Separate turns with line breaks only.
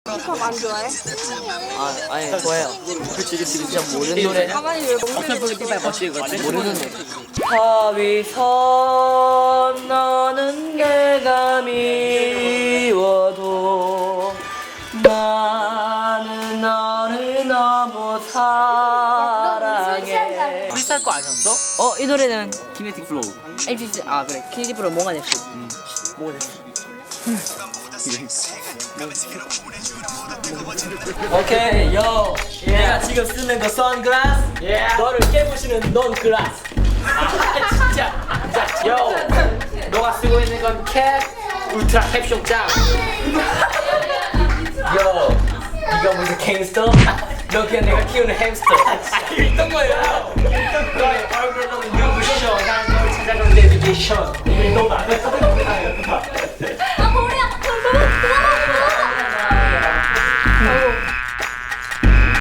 힙합 안 좋아해?
아니 좋아요. 그치 진짜 모르는 노래.
가만히 왜 먹는
모르는 노래. 하위선 너는 내가 미워도 나는 너를 너무 사랑해.
프리스타일 거 아니었어?
이 노래는
키네틱 플로우.
LPC 그래 킬리프로 뭐가 됐어? 뭐가 됐어? 오케이 요 내가 지금 쓰는 거 선글라스 너를 깨부시는 논글라스 진짜 요 너가 쓰고 있는 건 캡 울트라 캡쇼 짱 요 이거 무슨 갱스터? 너 그냥 내가 키우는 햄스터 있던 거예요 너의 얼굴은 눈부셔 난 널 찾아간 내비게이션 이게 너무 안 했어